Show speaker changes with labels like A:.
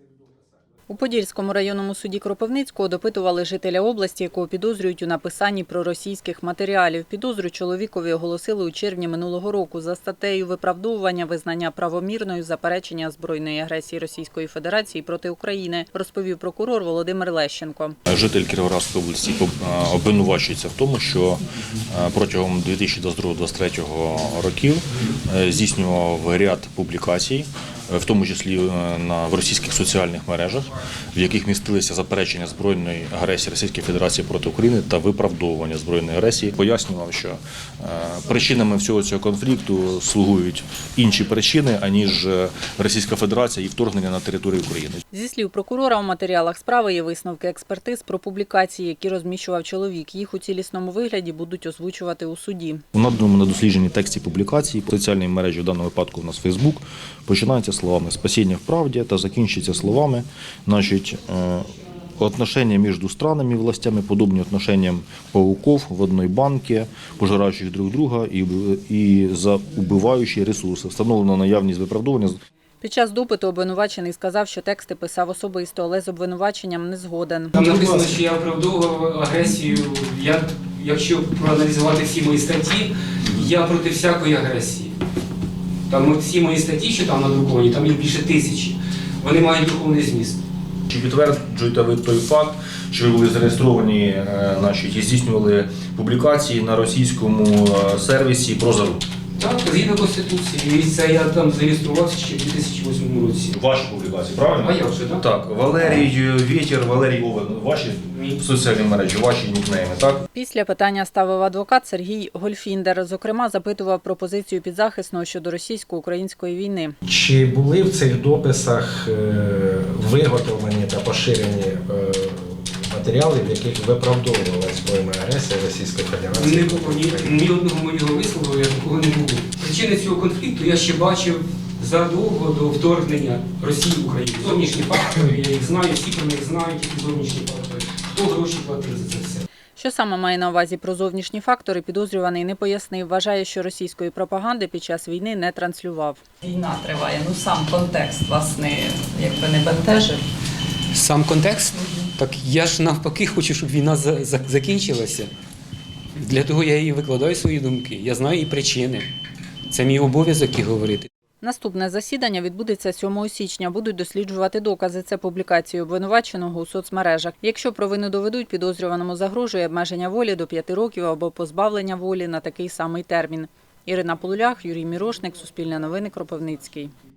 A: У Подільському районному суді Кропивницького допитували жителя області, якого підозрюють у написанні проросійських матеріалів. Підозру чоловікові оголосили у червні минулого року за статтею виправдовування визнання правомірною заперечення збройної агресії Російської Федерації проти України, розповів прокурор Володимир Лещенко.
B: Житель Кіровоградської області обвинувачується в тому, що протягом 2022-2023 років здійснював ряд публікацій, в тому числі в російських соціальних мережах, в яких містилися заперечення збройної агресії Російської Федерації проти України та виправдовування збройної агресії. Пояснював, що причинами всього цього конфлікту слугують інші причини, аніж Російська Федерація і вторгнення на територію України.
A: Зі слів прокурора, у матеріалах справи є висновки експертиз про публікації, які розміщував чоловік. Їх у цілісному вигляді будуть озвучувати у суді.
B: У наданому на дослідженні тексті публікації соціальної мережі, в даному випадку у нас Фейсбук, починається словами «спасіння в правді» та закінчується словами «отношения между странами и властями подобны отношениям пауков в одной банке, пожирающих друг друга и заубивающие ресурси». Встановлено наявність виправдовування.
A: Під час допиту обвинувачений сказав, що тексти писав особисто, але з обвинуваченням не згоден.
C: Там написано, що я оправдовував агресію. Якщо проаналізувати всі мої статті, я проти всякої агресії. Там всі мої статті, що там надруковані, там їх більше 1000. Вони мають духовний зміст.
B: Чи підтверджуєте ви той факт, що ви були зареєстровані і здійснювали публікації на російському сервісі «Прозору»?
C: Так, згідно Конституції. І це я там зареєструвався ще в 2008 році.
B: Ваші публікації, правильно?
C: А я вже, так?
B: Так, Валерій Вєтєр, Валерій Овен, ваші соціальні мережі, ваші нікнейми, так?
A: Після питання ставив адвокат Сергій Гольфіндер. Зокрема, запитував про позицію підзахисного щодо російсько-української війни.
D: Чи були в цих дописах виготовлені та поширені матеріали, в яких виправдовувала збройна агресія Російської Федерації?
C: Ні одного моєго вислову я такого не було. Причини цього конфлікту я ще бачив задовго до вторгнення Росії в Україну. Зовнішні фактори, я їх знаю, всі про них знають, які зовнішні фактори. Хто гроші платив за це все?
A: Що саме має на увазі про зовнішні фактори, підозрюваний не пояснив. Вважає, що російської пропаганди під час війни не транслював.
E: Війна триває, сам контекст вас не бентежив.
C: Сам контекст? Так я ж навпаки хочу, щоб війна закінчилася. Для того я і викладаю свої думки. Я знаю і причини. Це мій обов'язок і говорити.
A: Наступне засідання відбудеться 7 січня. Будуть досліджувати докази. Це публікації обвинуваченого у соцмережах. Якщо провину доведуть, підозрюваному загрожує обмеження волі до 5 років або позбавлення волі на такий самий термін. Ірина Полулях, Юрій Мірошник, Суспільне новини, Кропивницький.